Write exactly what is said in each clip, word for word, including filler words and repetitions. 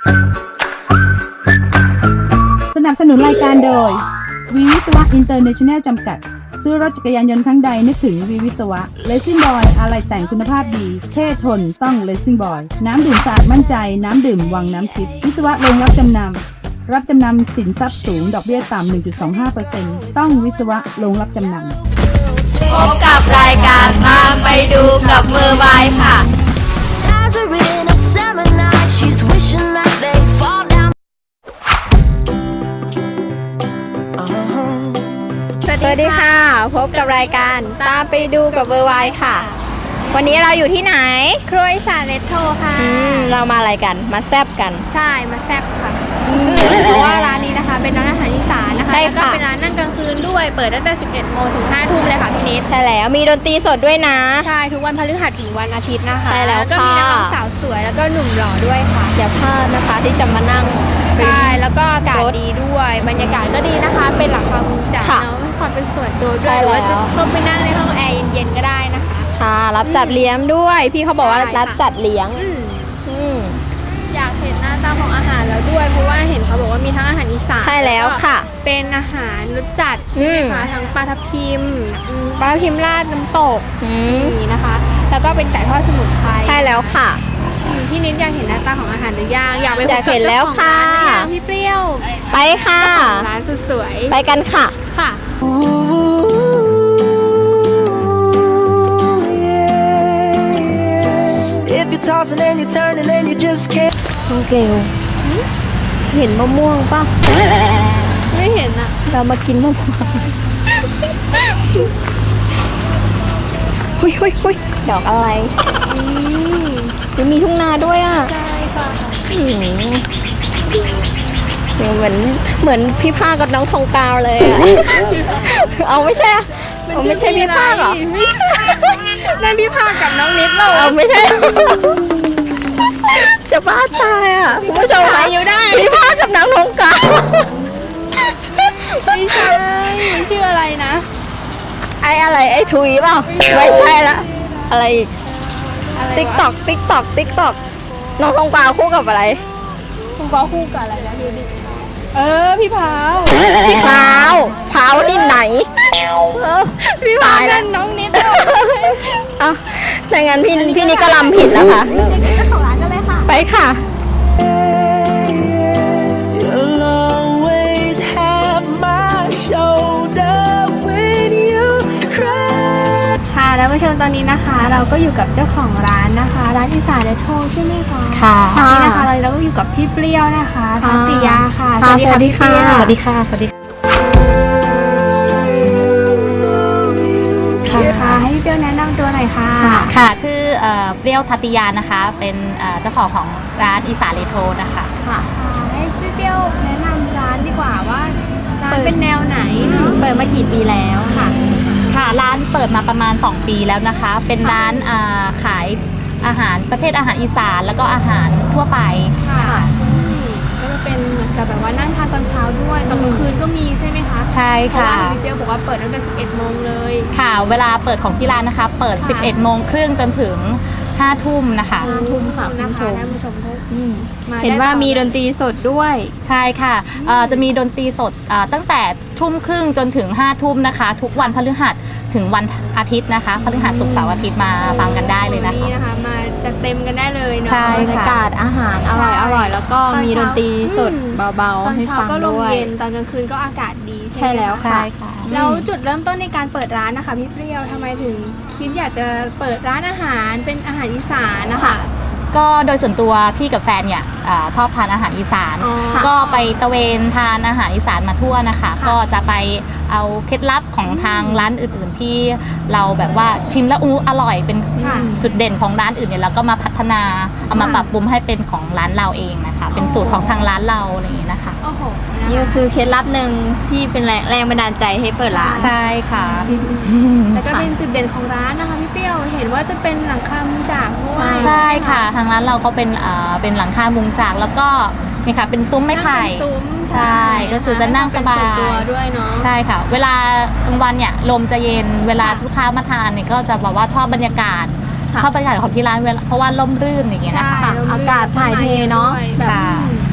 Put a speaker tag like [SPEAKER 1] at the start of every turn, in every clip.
[SPEAKER 1] สนับสนุนรายการโดยวีวิศวะอินเตอร์เนชั่นแนลจำกัดซื้อรถจักรยานยนต์ครั้งใดนึกถึงวีวิศวะเลสซิ่งบอยอะไรแต่งคุณภาพดีเท่ทนต้องเลสซิ่งบอยน้ำดื่มสะอาดมั่นใจน้ำดื่มวังน้ำทิพย์วิศวะโรงรับจำนำรับจำนำสินทรัพย์สูงดอกเบี้ยต่ำ หนึ่งจุดสองห้าเปอร์เซ็นต์ ต้องวิศวะโรงรับจำนำ
[SPEAKER 2] พบกับรายการตามไปดูกับมือไม้ค่ะสวัสดีค่ะพบกับรายการตามไปดูกับเบอร์ไวค่ะ วันนี้เราอยู่ที่ไหน
[SPEAKER 3] ครัวอีสานเรโทรค่ะ
[SPEAKER 2] เรามาอะไรกันมาแซบกัน
[SPEAKER 3] ใช่มาแซบค่ะเพราะว่าร้านนี้นะคะเป็นร้านอาหารอีสานนะคะแล้วก็เป็นร้านนั่งกลางคืนด้วยเปิดตั้งแต่สิบเอ็ดโมงถึงห้าทุ่มเลยค่ะพี่นิด
[SPEAKER 2] ใช่แล้วมีดนตรีสดด้วยนะ
[SPEAKER 3] ใช่ทุกวันพฤหัสถึงวันอาทิตย์นะคะ
[SPEAKER 2] ใช่แล้ว
[SPEAKER 3] ก็มีนักร้องสาวสวยแล้วก็หนุ่มหล่อด้วยค่ะ
[SPEAKER 2] อย่าพลาดนะคะที่จะมานั่ง
[SPEAKER 3] ใช่แล้วก็อากาศดีด้วยบรรยากาศก็ดีนะคะเป็นหลังคามุงจัดเนาะความเป็นส่วนตัวด้วยหรือว่าจะเข้าไปนั่งในห้องแอร์เย็นๆก็ได้นะคะ
[SPEAKER 2] ค่ะรับจัดเลี้ยงด้วยพี่เขาบอกว่ารับจัดเลี้ยง
[SPEAKER 3] อยากเห็นหน้าตาของอาหารแล้วด้วยเพราะว่าเห็นเขาบอกว่ามีทั้งอาหารอีสาน
[SPEAKER 2] ใช่แล้วค่ะ
[SPEAKER 3] เป็นอาหารรสจัดใช่ไหมคะทั้งปลาทับทิมปลาทับทิมราดน้ำตกนี่นะคะแล้วก็เป็นไก่ทอดสมุนไพร
[SPEAKER 2] ใช่แล้วค่ะ
[SPEAKER 3] พี่นิดอยากเห็นหน้าตาของอาหารหรือยังอยากไปพบกับ
[SPEAKER 2] เจ้าของร้าน
[SPEAKER 3] พี่เปรี้ยว
[SPEAKER 2] ไปค่ะ
[SPEAKER 3] ร้านสุดสวย
[SPEAKER 2] ไปกันค่ะ
[SPEAKER 3] ค่ะ
[SPEAKER 2] น้องเกลเห็นมะม่วงป่ะ
[SPEAKER 3] ไม่เห็นอะ
[SPEAKER 2] เรามากินมะม่วงหุยหุยหุยดอกอะไรนี่มีทุ่งนาด้วยอ่ะ
[SPEAKER 3] ใช่ค่ะ
[SPEAKER 2] เหมือนเหมือนพี่ภาคกับน้องทองกาวเลยอ่ะเอาไม่ใช่ไม่ใช่พี่ภาคเหรอ
[SPEAKER 3] ไม่ใช่นั่นพี่ภาคกับน้องนิดเรา
[SPEAKER 2] เอาไม่ใช่จะบ้าตายอ่ะคุณผู้ชมคะ
[SPEAKER 3] อยู่ได้
[SPEAKER 2] พี่ภาคกับน้องทองกาว
[SPEAKER 3] ไม่ใช่มันชื่ออะไรนะ
[SPEAKER 2] ไอ้อะไรไอ้ทุยเปล่าไม่ใช่ละอะไรอีกติ๊กตอกติ๊กตอกติ๊กตอกน้องทองกาวคู่กับอะไร
[SPEAKER 3] ทองกาวคู่กับอะไรนะดูดิเออพี่พาว
[SPEAKER 2] พี่พาวพาวที่ไหน
[SPEAKER 3] พี่พาวกันน้องนิด
[SPEAKER 2] อ่ะแต่งั้นพี่พี่นิดก็ลำผิดแล้วค่ะ
[SPEAKER 3] เจ้าของร้านกันเลยค่ะ
[SPEAKER 2] ไปค่ะ
[SPEAKER 3] ค่ะท่านผู้ชมตอนนี้นะคะเราก็อยู่กับเจ้าของร้านนะคะร้านอีสานเรโทรใช่ไหมคะ
[SPEAKER 2] ค่ะ
[SPEAKER 3] นี่นะคะเราก็อยู่กับพี่เปรี้ยวนะคะทันติยาค่ะ
[SPEAKER 2] สวัสดีค่ะพี่เปรี้ยวสวัสดีค่ะสวัสดี
[SPEAKER 3] ค่ะให้พี่เปรี้ยวแนะนำตัวหน่อยค่ะ
[SPEAKER 4] ค่ะชื่อเปรี้ยวทัตติยานะคะเป็นเจ้าของของร้านอีสานเรโทรนะคะ
[SPEAKER 3] ค่ะให้พี่เปรี้ยวแนะนำร้านดีกว่าว่าร้านเป็นแนวไหน
[SPEAKER 2] เปิดมากี่ปีแล้ว
[SPEAKER 4] ค่ะค่ะร้านเปิดมาประมาณสองปีแล้วนะคะเป็นร้านขายอาหารประเภทอาหารอีสานแล้วก็อาหารทั่วไป
[SPEAKER 3] ค่ะก็จะเป็นเหมือนกับแบบว่านั่งทานตอนเช้าด้วยตอนกลางคืนก็มีใช่ไหมคะ
[SPEAKER 4] ใช่ค่ะ
[SPEAKER 3] พี่เปรี้ยวบอกว่าเปิดตั้งแต่สิบเอ็ดโมงเลย
[SPEAKER 4] ค่ะเวลาเปิดของที่ร้านนะคะเปิดสิบเอ็ดโมงครึ่งจนถึงห้าทุ่มนะคะ
[SPEAKER 3] ห้าทุ่มค่ะนะคะท่านผู้ชม
[SPEAKER 2] เห็นว่ามีดนตรีสดด้วย
[SPEAKER 4] ใช่ค่ะจะมีดนตรีสดตั้งแต่ทุ่มครึ่งจนถึงห้าทุ่มนะคะทุกวันพฤหัสถึงวันอาทิตย์นะคะพฤหัสศุกร์เสาร์อาทิตย์มาฟังกันได้เลยนะคะ
[SPEAKER 3] นี่นะคะมาจะเต็มกันได้เลยเนาะ
[SPEAKER 4] ใช่ค่ะบรร
[SPEAKER 2] ยากาศอาหารอร่อยอร่อยแล้วก็มีดนตรีสดเบาๆให้ฟังด้วยตอนเช้าก็ลมเย็น
[SPEAKER 3] ตอนกลางคืนก็อากาศดี
[SPEAKER 2] ใช่แล้วค่ะ
[SPEAKER 3] แล้วจุดเริ่มต้นในการเปิดร้านนะคะพี่เปรี้ยวทำไมถึงคิดอยากจะเปิดร้านอาหารเป็นอาหารอีสานนะคะ
[SPEAKER 4] ก็โดยส่วนตัวพี่กับแฟนเนี่ยชอบทานอาหารอีสานก็ไปตะเวนทานอาหารอีสานมาทั่วนะคะก็จะไปเอาเคล็ดลับของทางร้านอื่นๆที่เราแบบว่าชิมแล้วอู้อร่อยเป็นจุดเด่นของร้านอื่นเนี่ยเราก็มาพัฒนาเอามาปรับปรุงให้เป็นของร้านเราเองนะคะเป็นสูตรของทางร้านเราอะไรอย่างนี้นะคะ
[SPEAKER 2] นี่ก็คือเคล็ดลับหนึ่งที่เป็นแรงแรงบันดาลใจให้เปิดร้าน
[SPEAKER 4] ใช่ค่ะ
[SPEAKER 3] แล้วก็เป็นจุดเด่นของร้านนะคะพี่เปรี้ยวเห็นว่าจะเป็นหลังคามุงจากด้วย
[SPEAKER 4] ใช่ค่ะทางร้านเราเขาเป็นเป็นหลังคามุงจากแล้วก็นี่ค่ะเป็นซุ้มไม้ไผ่ใช่ก็คือจะนั่งสบาย
[SPEAKER 3] ด้วยเนาะ
[SPEAKER 4] ใช่ค่ะเวลากลางวันเนี่ยลมจะเย็นเวลาลูกค้ามาทานเนี่ยก็จะแบบว่าชอบบรรยากาศชอบบรรยากาศของที่ร้านเพราะว่าร่มรื่นอย่างเงี้ยนะคะ
[SPEAKER 2] อากาศถ่ายเทเนาะ
[SPEAKER 3] ค่ะ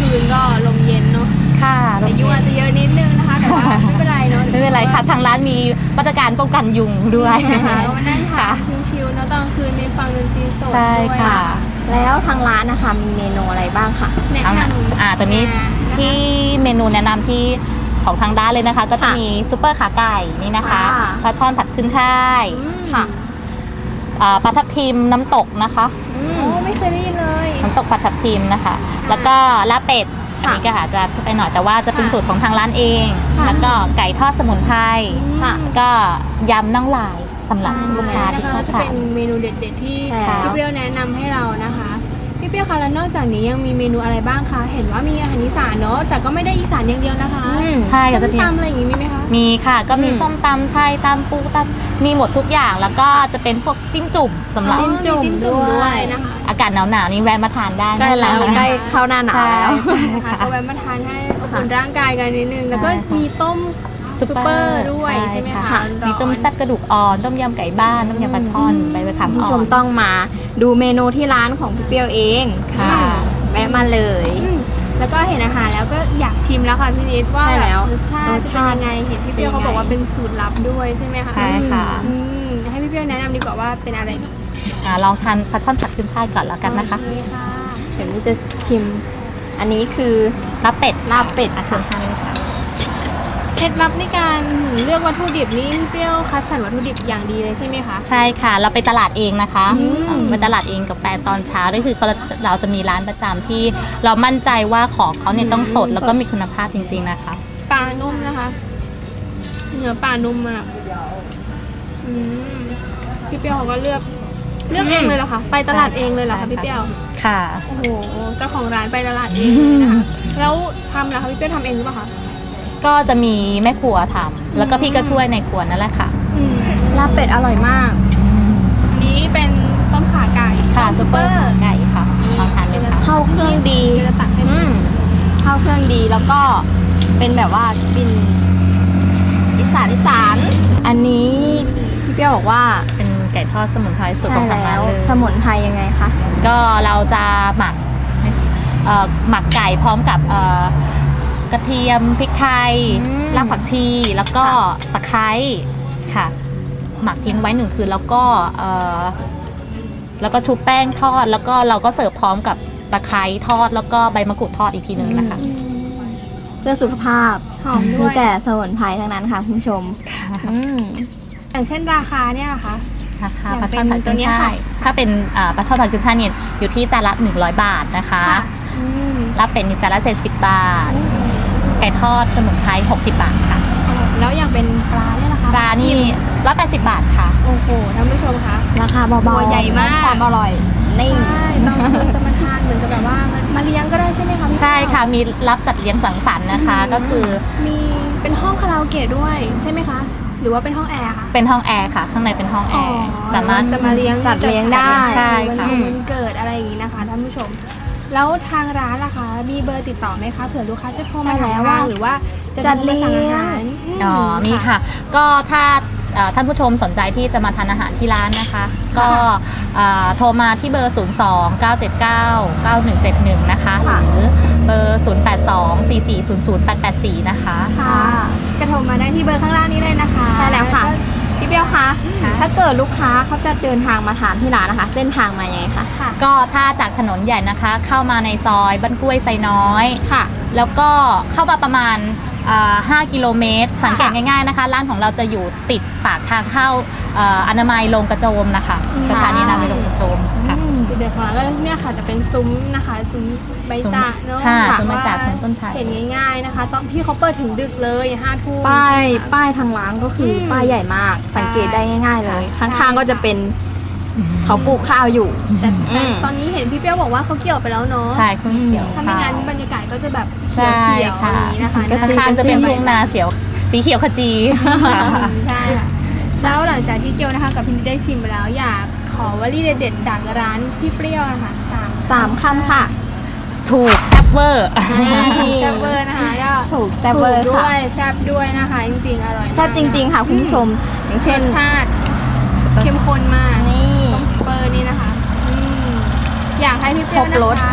[SPEAKER 3] คืนก็ลมเย็นเนาะ
[SPEAKER 4] ค่ะ
[SPEAKER 3] แต่ยุงอาจจะเยอะนิดนึงนะคะแต่ว่าไม่เป็นไรเนาะ
[SPEAKER 4] ไม่เป็นไรค่ะทางร้านมีมาตรการป้องกันยุงด้วย
[SPEAKER 3] นะคะก็มานั่งทา
[SPEAKER 4] ค่ะ
[SPEAKER 3] นชิลๆเนาะตอนกลางคืนมีฟังดนตรีสด
[SPEAKER 4] ใช่
[SPEAKER 3] ด้วย
[SPEAKER 4] ค่ะ
[SPEAKER 2] แล้วทางร้านนะคะมีเมนูอะไรบ้างคะ
[SPEAKER 3] แนะ
[SPEAKER 4] เอา
[SPEAKER 3] น
[SPEAKER 4] นะอ่าตัวนี้
[SPEAKER 3] ำ
[SPEAKER 4] ที่เมนูแนะนำที่ของทางร้านเลยนะคะ ก็จะ
[SPEAKER 2] ค่ะ
[SPEAKER 4] มีซุปเปอร์ขาไก่นี่นะคะ
[SPEAKER 2] ค่ะ
[SPEAKER 4] ปลาช่อนผัดขึ้นช่าย
[SPEAKER 3] อืม
[SPEAKER 2] ค่ะ
[SPEAKER 4] อ่าปลาทับทิมน้ำตกนะคะ
[SPEAKER 2] อื
[SPEAKER 3] โอ้
[SPEAKER 2] ม
[SPEAKER 3] ไม่เคยได้ยินเลย
[SPEAKER 4] น้ำตกปลาทับทิมนะคะ แล้วก็ลาบเป็ดอัน
[SPEAKER 2] ค่ะ
[SPEAKER 4] นี้ก็อาจจะไปหน่อยแต่ว่าจะเป็น
[SPEAKER 3] ค่ะ
[SPEAKER 4] สูตรของทางร้านเอง
[SPEAKER 3] ค่ะ
[SPEAKER 4] แล้วก็ไก่ทอดสมุนไพร
[SPEAKER 2] ค่ะ
[SPEAKER 4] แล้วก็ยำน่องลายสำหรับลูกค้าที่ชอบ
[SPEAKER 3] จะ
[SPEAKER 4] ทา
[SPEAKER 3] เป็น นเมนูเด็ดๆที่
[SPEAKER 2] ใช่แล้ว
[SPEAKER 3] พี่เปรี้ยวแนะนำให้เรานะคะพี่เปรี้ยวคะแล้วนอกจากนี้ยังมีเมนูอะไรบ้างคะเห็นว่ามีอาหารอีสานเนาะแต่ก็ไม่ได้อีสานอย่างเดียวนะคะ
[SPEAKER 2] อืม
[SPEAKER 4] ใช่
[SPEAKER 3] ส้
[SPEAKER 4] ก็จะ
[SPEAKER 3] ม
[SPEAKER 4] มี
[SPEAKER 3] ตำอะไรอย่างงี้มีไหมคะ
[SPEAKER 4] มีค่ะ ก็มี
[SPEAKER 2] อืม
[SPEAKER 4] ส้มตำไทยตำปูตำมีหมดทุกอย่างแล้วก็จะเป็นพวกจิ้มจุ่มสำหรับ
[SPEAKER 3] อ๋อมีจิ้มจุ่ม
[SPEAKER 2] ด้
[SPEAKER 3] ด้
[SPEAKER 2] ว
[SPEAKER 3] วย ยนะคะ
[SPEAKER 4] อากาศหนาวๆนี่แวะมาทานได้
[SPEAKER 2] ใกล้แล้ว
[SPEAKER 4] นะคะ
[SPEAKER 2] ใกล้เข้าหน้าหนาว
[SPEAKER 4] ใช่
[SPEAKER 2] แล้ว
[SPEAKER 3] นะคะก็แวะมาทานให้อบอุ่นร่างกายกันนิดนึงแล้วก็
[SPEAKER 4] ใช่ค่ะ
[SPEAKER 3] มีต้มซุปเปอร์ด้วยใช่ไหมคะ
[SPEAKER 2] ค่ะ
[SPEAKER 3] ร้อนๆ
[SPEAKER 4] มีต้มแซ่บกระดูกอ่อนต้มยำไก่บ้านต้มยำปลาช่อนใบมะขาม
[SPEAKER 2] คุณ
[SPEAKER 4] อ่
[SPEAKER 2] ผู้ช
[SPEAKER 4] อ
[SPEAKER 2] ม
[SPEAKER 4] น
[SPEAKER 2] ต้องมาดูเมนูที่ร้านของพี่เปรี้ยวเอง
[SPEAKER 4] ค่ะ
[SPEAKER 2] แวะมาเลย
[SPEAKER 3] อืมแล้วก็เห็นอาหารแล้วก็อยากชิมแล้วค่ะพี่นิดว่า
[SPEAKER 2] ใช่แล้ว
[SPEAKER 3] รสชาติ
[SPEAKER 2] รส
[SPEAKER 3] จะ
[SPEAKER 2] ชา
[SPEAKER 3] เป็น
[SPEAKER 2] ติ
[SPEAKER 3] ยังไงเห็นพี่เปรี้ยว
[SPEAKER 2] เป็นยังไง
[SPEAKER 3] เขาบอกว่าเป็นสูตรลับด้วยใช่ไหมคะ
[SPEAKER 4] ใช่ค่ะ
[SPEAKER 3] อืมให้พี่เปรี้ยวแนะนำดีกว่าว่าเป็นอะไรดี
[SPEAKER 4] อ่าลองทานปลาช่อนผัดขึ้นช่ายก่อนแล้วกันนะคะ
[SPEAKER 3] โอเคค่ะ
[SPEAKER 2] เดี๋ยวนี้จะชิม อันนี้คือ
[SPEAKER 4] ลาบเป็ด
[SPEAKER 2] ลาบเป็ด
[SPEAKER 4] อ่ะเชิญทานเลยค่ะ
[SPEAKER 3] เคล็ดลับในการเลือกวัตถุดิบนี่พี่เปรี้ยวคัดสรรวัตถุดิบอย่างดีเลยใช่ไหมคะ
[SPEAKER 4] ใช่ค่ะ เราไปตลาดเองนะคะ
[SPEAKER 3] อืม
[SPEAKER 4] อ่าไปตลาดเองกับแฟนตอนเช้าก็คือเราเราจะมีร้านประจำที่เรามั่นใจว่าของเขาเนี่ยต้องสดแล้วก็มีคุณภาพจริงๆนะคะ
[SPEAKER 3] ปลานุ่มนะคะเนื้อปลานุ่มมากอืมพี่เปรี้ยวเขาก็เลือกเลือกเองเลยเหรอคะไปตลาดเองเลยเหรอคะพี่เปรี้ยว
[SPEAKER 4] ค่ะ
[SPEAKER 3] โอ้โหเจ้าของร้านไปตลาดเองเลยนะคะแล้วทำเหรอคะพี่เปรี้ยวทำเองหรือเปล่าคะ
[SPEAKER 4] ก็จะมีแม่ครัวทำแล้วก็พี่ก็ช่วยในครัวนั่นแหละค่ะ
[SPEAKER 3] อืม
[SPEAKER 2] ลาบเป็ดอร่อยมาก
[SPEAKER 3] อันนี้เป็นต้มขาไก่
[SPEAKER 4] ค่ะ
[SPEAKER 3] ต้ม
[SPEAKER 4] ซุปเปอร์ไก่ค่ะลองทานดูค่ะ
[SPEAKER 2] เข้าเครื่องดี
[SPEAKER 3] เดี๋ยวจะตักให้
[SPEAKER 2] อืมเข้าเครื่องดีแล้วก็เป็นแบบว่ากลิ่นอีสานอีสาน อันนี้พี่เปรี้ยวบอกว่า
[SPEAKER 4] เป็นไก่ทอดสมุนไพรสูตรของทางร้านเลย
[SPEAKER 2] สมุนไพรยังไงคะ
[SPEAKER 4] ก็เราจะหมักเอ่อหมักไก่พร้อมกับเอ่อกระเทียมพริกไทย
[SPEAKER 2] อืม
[SPEAKER 4] รากผักชีแล้วก็
[SPEAKER 2] ค่ะ
[SPEAKER 4] ตะไคร้ค่ะ หมักทิ้งไว้หนึ่งคืนแล้วก็เอ่อแล้วก็ชุบแป้งทอด แล้วก็เราก็เสิร์ฟพร้อมกับตะไคร้ทอด แล้วก็ใบมะกรูดทอดอีกทีหนึ่งนะคะ
[SPEAKER 2] เพื่อสุขภาพ
[SPEAKER 3] หอมด้
[SPEAKER 2] มี
[SPEAKER 3] วย
[SPEAKER 2] แต่สมุนไพรทั้งนั้นค่ะคุณผู้ชมอืม
[SPEAKER 3] อย่างเช่นราคาเนี่ยเหรอคะ
[SPEAKER 4] ราคา
[SPEAKER 3] อย่าง
[SPEAKER 4] ปลาช่อนผัด
[SPEAKER 3] เป็นตั
[SPEAKER 4] ขึ้
[SPEAKER 3] วน เนี้ย
[SPEAKER 4] ช่าย
[SPEAKER 3] ค่ะ
[SPEAKER 4] ถ้าเป็นอ่าปลาช่อนผัดขึ้นช่ายเนี่ยอยู่ที่จานละหนึ่งร้อยบาทนะคะ
[SPEAKER 3] ค่ะอืม
[SPEAKER 4] ลาบเป็ดนี่จานละเจ็ดสิบบาท ไก่ทอดสมุนไพรหกสิบบาทค่ะ
[SPEAKER 3] แล้วอย่างเป็นปลาเนี่ยนะคะ
[SPEAKER 4] ปลานี่ร้อยแปดสิบบาทค่ะ
[SPEAKER 3] โอ้โหท่านผู้ชมคะ
[SPEAKER 2] ราคาเบา
[SPEAKER 3] ตัว
[SPEAKER 2] ๆ
[SPEAKER 3] ใหญ่มาก
[SPEAKER 2] ความอร่อย นี่
[SPEAKER 3] ใช่บางคนจะมาทานเหมือนกับแบบว่ามาเลี้ยงก็ได้ใช่ไหมคะพี่
[SPEAKER 4] ใช่
[SPEAKER 3] เปรี้ยว
[SPEAKER 4] ค่ะ มีรับจัดเลี้ยงสังสรรค์นะคะ ก็คือ
[SPEAKER 3] มีเป็นห้องคาราโอเกะด้วยใช่ไหมคะ หรือว่าเป็นห้องแอร์คะ
[SPEAKER 4] เป็นห้องแอร์ค่ะ ข้างในเป็นห้องแอร์ สามารถ
[SPEAKER 3] จะมาเลี้ยง
[SPEAKER 2] จัดเลี้ยงได้
[SPEAKER 4] ใช่
[SPEAKER 3] วัน
[SPEAKER 4] ค่ะ
[SPEAKER 3] วันเกิดอะไรอย่างนี้นะคะท่านผู้ชม แล้วทางร้านล่ะคะมีเบอร์ติดต่อไหมคะเผื่อลูกค้าจะโทรมา
[SPEAKER 2] ใช่แล้
[SPEAKER 3] ถาม
[SPEAKER 2] ว
[SPEAKER 3] บ้างหรือว่าจะ
[SPEAKER 2] จัด
[SPEAKER 3] โทรมาสั่งอาหาร
[SPEAKER 2] เลี้ยง
[SPEAKER 3] ม
[SPEAKER 4] อ๋อมีค่ะ ก็ถ้าเอ่อท่านผู้ชมสนใจที่จะมาทานอาหารที่ร้านนะคะ ก็เอ่อโทรมาที่เบอร์ ศูนย์ สอง เก้า เจ็ด เก้า เก้า หนึ่ง เจ็ด หนึ่ง นะคะ ห
[SPEAKER 2] ค่ะ
[SPEAKER 4] รือเบอร์ ศูนย์ แปด สอง สี่ สี่ ศูนย์ ศูนย์ แปด แปด สี่ นะคะ
[SPEAKER 3] ค่ะกระโทรมาได้ที่เบอร์ข้างล่างนี้เลยนะคะ
[SPEAKER 2] ใช่แล้วค่ะ
[SPEAKER 3] ก็
[SPEAKER 2] พี่เปรี้ยวคะ ถ้าเกิดลูกค้าเขาจะเดินทางมาทานที่ร้านนะคะ เส้นทางมายังไงคะ
[SPEAKER 3] ค่ะ
[SPEAKER 4] ก็ถ้าจากถนนใหญ่นะคะ เข้ามาในซอยบ้านกล้วยไซน้อย
[SPEAKER 2] ค่ะ
[SPEAKER 4] แล้วก็เข้ามาประมาณอ่าห้ากิโลเมตร สังเกตง่ายๆนะคะ ร้านของเราจะอยู่ติดปากทางเข้าเอ่ออนามัยโรงกระโจมนะคะ
[SPEAKER 3] อืม
[SPEAKER 4] สถานีอนามัยโรงกระโจมค่ะ
[SPEAKER 3] จุดเด่นของร้านก็เนี่ยค่ะจะเป็นซุ้มนะคะซุ้มใบจากเนาะ
[SPEAKER 4] ใช่
[SPEAKER 3] ค่ะ
[SPEAKER 4] ซุ้มใบจากซุ้มต้นไผ่
[SPEAKER 3] เห็นง่ายๆนะคะ ตอนพี่เขาเปิดถึงดึกเลยห้าทุ่ม
[SPEAKER 2] ป้าย
[SPEAKER 3] ใช่ไหมคะ
[SPEAKER 2] ป้ายทางร้านก็คืออ
[SPEAKER 3] ม
[SPEAKER 2] ป้ายใหญ่มาก สังเกตได้ง่าย ๆ เลย
[SPEAKER 3] ใช่
[SPEAKER 2] ข้างๆก็จะเป็นเขาปลูกข้าวอยู่
[SPEAKER 3] แต่
[SPEAKER 2] อื
[SPEAKER 3] แต่
[SPEAKER 2] ม
[SPEAKER 3] ตอนนี้เห็นพี่เปรี้ยวบอกว่าเขาเกี่ยวไปแล้วเนาะ
[SPEAKER 4] ใช่คุณเขียว
[SPEAKER 3] ถ้าไม่งั้นบรรยากาศก็จะแบบ
[SPEAKER 4] ใช่
[SPEAKER 3] เขียวๆ
[SPEAKER 4] ค่ะ
[SPEAKER 3] อย่างนี้นะคะ
[SPEAKER 4] ข้างๆจะเป็นทุ่งนาเสียวสีเขียวขจี
[SPEAKER 3] ใช่ค่ะแล้วหลังจากที่เกียวนะคะกับพี่นิดได้ชิมไปแล้วอยากขอวลีเด็ดๆจากร้านพี่เปรี้ยวนะคะสาม
[SPEAKER 2] สามคำค่ะ
[SPEAKER 4] ถูกแซ่บเวอร์
[SPEAKER 2] นี่
[SPEAKER 3] แซ่บเวอร์นะคะก็
[SPEAKER 2] ถูกแซ่บเวอร์
[SPEAKER 3] ถูกด้
[SPEAKER 2] ค่ะ
[SPEAKER 3] วยแซ่บด้วยนะคะจริงๆอร่อยมาก
[SPEAKER 2] แซ่บจริง ๆ ค่ะคุณผู้ชม อย่าง
[SPEAKER 3] เช่
[SPEAKER 2] เช่
[SPEAKER 3] น
[SPEAKER 2] น
[SPEAKER 3] ชาติเข้มข้นมาก
[SPEAKER 2] นี่
[SPEAKER 3] ต้มสเปอร์นี่นะคะอืมอยากให้พี่เปรี้ยว
[SPEAKER 2] ครบรส
[SPEAKER 3] นะคะฝ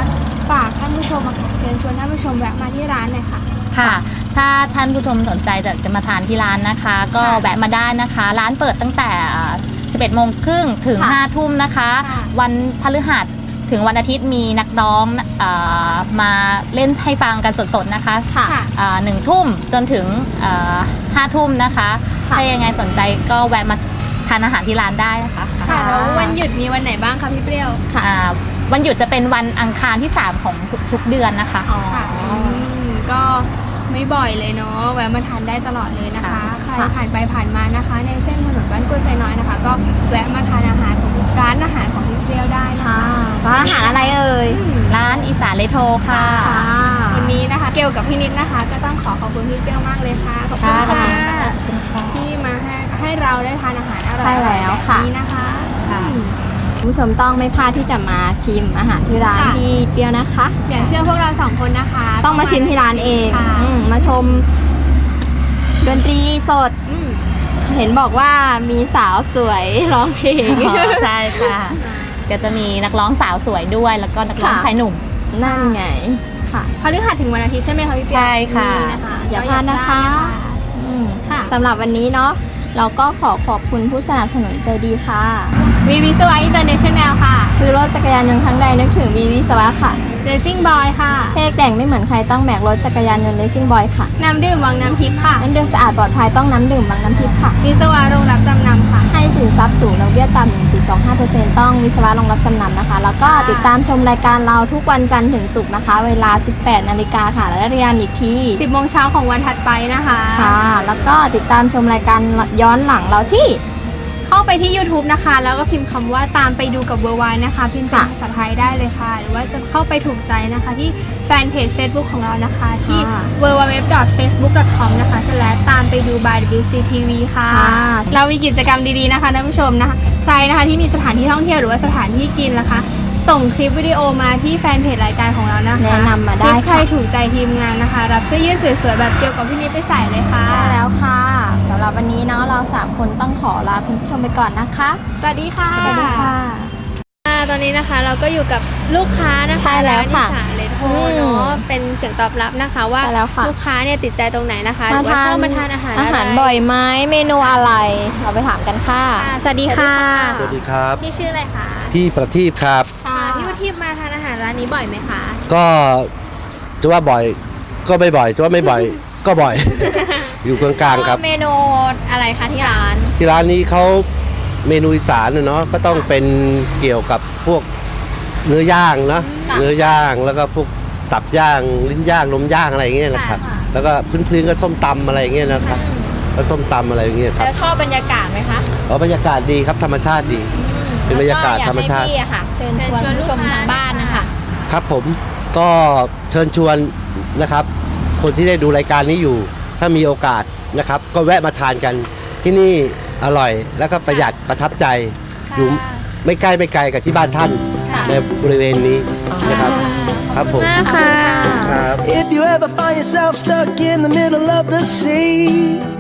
[SPEAKER 3] ฝากท่านผู้ชมอะค่ะเชิญชวนท่านผู้ชมแวะมาที่ร้านหน่อยค่ะ
[SPEAKER 4] ค่ะ ถ้าท่านผู้ชมสนใจจะจะมาทานที่ร้านนะคะ ก็
[SPEAKER 3] ค่ะ
[SPEAKER 4] แวะมาได้นะคะ ร้านเปิดตั้งแต่สิบเอ็ดโมงครึ่งถึง
[SPEAKER 3] ค่ะ
[SPEAKER 4] ห้าทุ่มนะคะ
[SPEAKER 3] ค่ะ
[SPEAKER 4] วันพฤหัสถึงวันอาทิตย์มีนักร้องเอ่อมาเล่นให้ฟังกันสดๆนะคะ
[SPEAKER 3] ค่ะ
[SPEAKER 4] อ่าหนึ่งทุ่มจนถึงเอ่อห้าทุ่มนะคะ
[SPEAKER 3] ค่ะ
[SPEAKER 4] ถ้ายังไงสนใจก็แวะมาทานอาหารที่ร้านได้นะคะ
[SPEAKER 3] ค่ะแล้ววันหยุดมีวันไหนบ้างคะพี่เปรี้ยว
[SPEAKER 4] อ่าวันหยุดจะเป็นวันอังคารที่สามของทุกทุกเดือนนะคะ
[SPEAKER 3] ค่ะอืมก็ไม่บ่อยเลยเนาะแวะมาทานได้ตลอดเลยนะคะ ใครผ่านไปผ่านมานะคะ ในเส้นถนนบ้านกล้วยไซน้อยนะคะ ก็แวะมาทานอาหารของร้านอาหารของพี่เปรี้ยวได้นะคะ
[SPEAKER 2] ร้านอาหารอะไรเอ่ย
[SPEAKER 3] อืม
[SPEAKER 4] ร้านอีสานเลโทค่ะ
[SPEAKER 3] วันนี้นะคะเกลกับพี่นิดนะคะ ก็ต้องขอขอบคุณพี่เปรี้ยวมากเลยค่ะขอบคุณ
[SPEAKER 2] ค่ะ
[SPEAKER 3] ค่ะที่มาให้ให้เราได้ทานอาหารอร่อย
[SPEAKER 2] ใช่แล้วค่ะ
[SPEAKER 3] แบบนี้นะคะ
[SPEAKER 4] ค่ะ
[SPEAKER 3] อืม
[SPEAKER 2] คุณผู้ชมต้องไม่พลาดที่จะมาชิมอาหารที่ร้าน
[SPEAKER 3] ค่ะ
[SPEAKER 2] พี่เปรี้ยวนะคะ
[SPEAKER 3] อย่างเชื่อพวกเราสองคนนะคะ
[SPEAKER 2] ต้องมาชิมที่ร้านเอง
[SPEAKER 3] ค่ะ
[SPEAKER 2] อืมมาชมดนตรีสด
[SPEAKER 3] อืม
[SPEAKER 2] เห็นบอกว่ามีสาวสวยร้องเพลง
[SPEAKER 4] อ๋อใช่ค่ะก็จะมีนักร้องสาวสวยด้วย แล้วก็นักร้อง
[SPEAKER 2] ค่ะ
[SPEAKER 4] ชายหนุ่ม
[SPEAKER 2] นั่นไงค่ะ
[SPEAKER 3] พฤหัสถึงวันอาทิตย์ใช่ไหมคะพี่เปีย
[SPEAKER 4] ใช่ค่ะ
[SPEAKER 3] นี่นะคะ
[SPEAKER 2] อย่าพลาดนะคะ อืม
[SPEAKER 3] ค่ะ
[SPEAKER 2] สำหรับวันนี้เนาะเราก็ขอขอบคุณผู้สนับสนุนใจดีค่ะ
[SPEAKER 3] วีวิศวะอินเตอร์เนชั่นแนลค่ะ
[SPEAKER 2] ซื้อรถจักรยานยนต์ครั้งใดนึกถึงวีวิศวะค่ะ
[SPEAKER 3] Racing Boy ค่ะ
[SPEAKER 2] เพกแต่งไม่เหมือนใครต้องแบกรถจักรยานยนต์เลสซิ่งบอยค่ะ
[SPEAKER 3] น้ำดื่มวังน้ำทิพย์ค่ะ
[SPEAKER 2] น้ำดื่มสะอาดปลอดภัยต้องน้ำดื่มบางน้ำพริกค่ะ
[SPEAKER 3] วิศวะโรงรับจำนำค่ะ
[SPEAKER 2] ให้สินทรัพย์สูงดอกเบี้ยต่ำ หนึ่งจุดสองห้าเปอร์เซ็นต์ ต้องวิศวะรองรับจำนำนะคะ แล้วก็
[SPEAKER 3] ค่ะ
[SPEAKER 2] ติดตามชมรายการเราทุกวันจันทร์ถึงศุกร์นะคะ เวลา สิบแปดนาฬิกาค่ะ และเรียนอีกที
[SPEAKER 3] สิบโมงเช้าของวันถัดไปนะคะ
[SPEAKER 2] ค่ะ แล้วก็ติดตามชมรายการย้อนหลังเราที่
[SPEAKER 3] เข้าไปที่ ยูทูบ นะคะ แล้วก็พิมพ์คำว่าตามไปดูกับเวอร์ไวนะคะ พิมพ์เป็น
[SPEAKER 2] ค่ะ
[SPEAKER 3] ภาษาไทยได้เลยค่ะ หรือว่าจะเข้าไปถูกใจนะคะที่แฟนเพจ Facebook ของเรานะคะ ที่
[SPEAKER 2] ค่ะ
[SPEAKER 3] ดับเบิลยู ดับเบิลยู ดับเบิลยู ดอท เฟซบุ๊ก ดอท คอม นะคะและตามไปดู by ดับเบิลยู ซี ที วี ค่ะ
[SPEAKER 2] ค่ะ
[SPEAKER 3] เรามีกิจกรรมดีๆนะคะท่านผู้ชมนะคะ ใครนะคะที่มีสถานที่ท่องเที่ยวหรือว่าสถานที่กินนะคะ ส่งคลิปวิดีโอมาที่แฟนเพจรายการของเรานะคะ
[SPEAKER 2] แนะนำมาได้
[SPEAKER 3] คลิปใคร
[SPEAKER 2] ค่ะ
[SPEAKER 3] ถูกใจทีมงานนะคะ รับเสื้อยืดสวยๆแบบเกี่ยวกับพี่นิดไปใส่เลยค่ะ
[SPEAKER 2] ใช่แล้วค่ะสำหรับวันนี้เนาะเราสามคนต้องขอลาคุณผู้ชมไปก่อนนะคะ
[SPEAKER 3] สวัสดีค่ะ
[SPEAKER 2] สวัสดีค่ะ
[SPEAKER 3] อ่าตอนนี้นะคะเราก็อยู่กับลูกค้านะคะ
[SPEAKER 2] ใช่แล้วค่ะ
[SPEAKER 3] ร้านอีสานเลโท
[SPEAKER 2] อืม
[SPEAKER 3] เนาะเป็นเสียงตอบรับนะคะว่า
[SPEAKER 2] ใช่แล้วค่ะ
[SPEAKER 3] ลูกค้าเนี่ยติดใจตรงไหนนะคะหรือว่าชอบมาทานอาหาร
[SPEAKER 2] อาหาร
[SPEAKER 3] ะไ
[SPEAKER 2] บ่อยไหมเมนูอะไร เราไปถามกันค่ะ
[SPEAKER 3] ค่ะสวัสดีค่ะ
[SPEAKER 5] สวัสดีครับ
[SPEAKER 3] พี่ชื่ออะไรคะ
[SPEAKER 5] พี่ประทีปครับ
[SPEAKER 3] ค่ะพี่วัทิพย์มาทานอาหารร้านนี้บ่อยไหมคะ
[SPEAKER 5] ก็จะว่าบ่อยก็ไม่บ่อยจะว่าไม่บ่อย ก็บ่อย อยู่กลางๆครับ
[SPEAKER 2] เมนูอะไรคะที่ร้าน
[SPEAKER 5] ที่ร้านนี้เขาเมนูอีสานน่ะเนาะก็ต้องเป็นเกี่ยวกับพวกเนื้อย่างเนาะ
[SPEAKER 2] ค่ะ
[SPEAKER 5] เนื้อย่างแล้วก็พวกตับย่างลิ้นย่างลมย่างอะไรอย่างเงี้ยนะครับ
[SPEAKER 2] ค่ะ
[SPEAKER 5] แล้วก็พื้นๆก็ส้มตำอะไรอย่างเงี้ยนะครับก็ส้มตำอะไรอย่างเงี้ยครับ
[SPEAKER 2] แล้วชอบบรรยากาศไหมคะ
[SPEAKER 5] อ๋อบรรยากาศดีครับธรรมชาติดี เป็นบรรยากาศธรรมชาติ
[SPEAKER 2] แล้วก็อยกให้พี่อะค่ะ เชิญชวนผู้ชมทางบ้านนะคะ
[SPEAKER 5] ครับผมก็เชิญชวนนะครับ คนที่ได้ดูรายการนี้อยู่ ถ้ามีโอกาสนะครับ ก็แวะมาทานกันที่นี่อร่อยแล้วก็ประหยัดประทับใจ อยู่ไม่ใกล้ไม่ไกลกับที่บ้านท่าน
[SPEAKER 2] ค่ะ
[SPEAKER 5] ในบริเวณนี้นะครับ ครับผม
[SPEAKER 3] มากค่ะ
[SPEAKER 5] ครับ
[SPEAKER 6] If you ever find yourself stuck in the middle of the sea,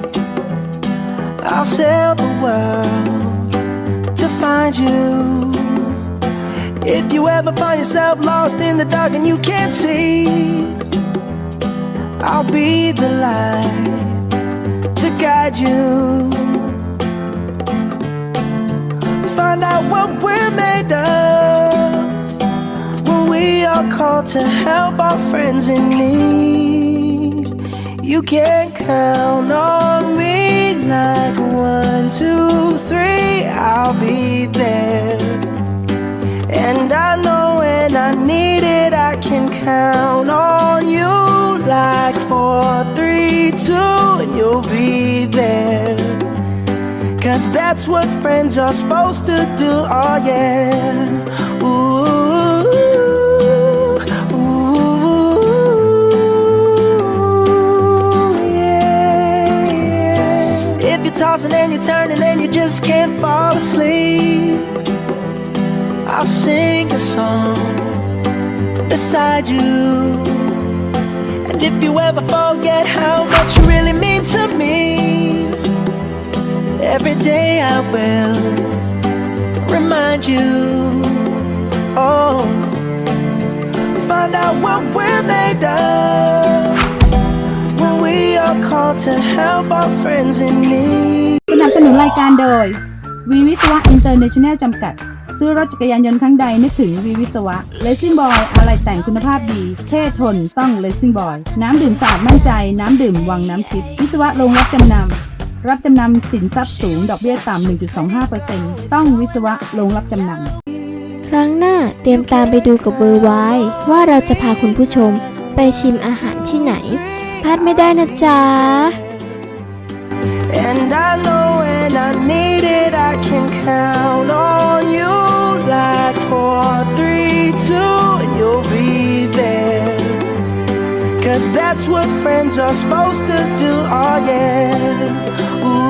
[SPEAKER 6] I'll sail the world to find you. If you ever find yourself lost in the dark and you can't see, I'll be the light to guide you. Find out what we're made of when we are called to help our friends in need. You can count on me like one, two, three, I'll be there. And I know when I need it, I can count on you like four, three, two, and you'll be there. Cause that's what friends are supposed to do, oh yeah. Ooh, ooh, yeah, yeah. If you're tossing and you're turning and you just can't fall asleep, I'll sing a song beside you. And if you ever forget how much you really mean to me, every day I will remind you. Oh, find out out what we're made of when we are called to help our friends in need.
[SPEAKER 1] สนับสนุนรายการโดยวีวิศวะอินเตอร์เนชั่นแนลจำกัด ซื้อรถจักรยานยนต์ครั้งใดนึกถึงวีวิศวะเลซิ่งบอยอะไรแต่งคุณภาพดีเท่ทนต้องเลซิ่งบอยน้ำดื่มสะอาดมั่นใจน้ำดื่มวังน้ำทิพย์วิศวะโรงรับจำนำรับจำนำสินทรัพย์สูงดอกเบี้ยต่ำ หนึ่งจุดสองห้าเปอร์เซ็นต์ ต้องวิศวะโรงรับจำนำ
[SPEAKER 7] ครั้งหน้าเตรียมตามไปดูกับเบอร์ไว้ว่าเราจะพาคุณผู้ชมไปชิมอาหารที่ไหนพลาดไม่ได้นะจ๊ะ
[SPEAKER 6] And I know when I need it, I can count on you. Like four, three, two, and you'll be there. Cause that's what friends are supposed to do, oh yeah. Ooh.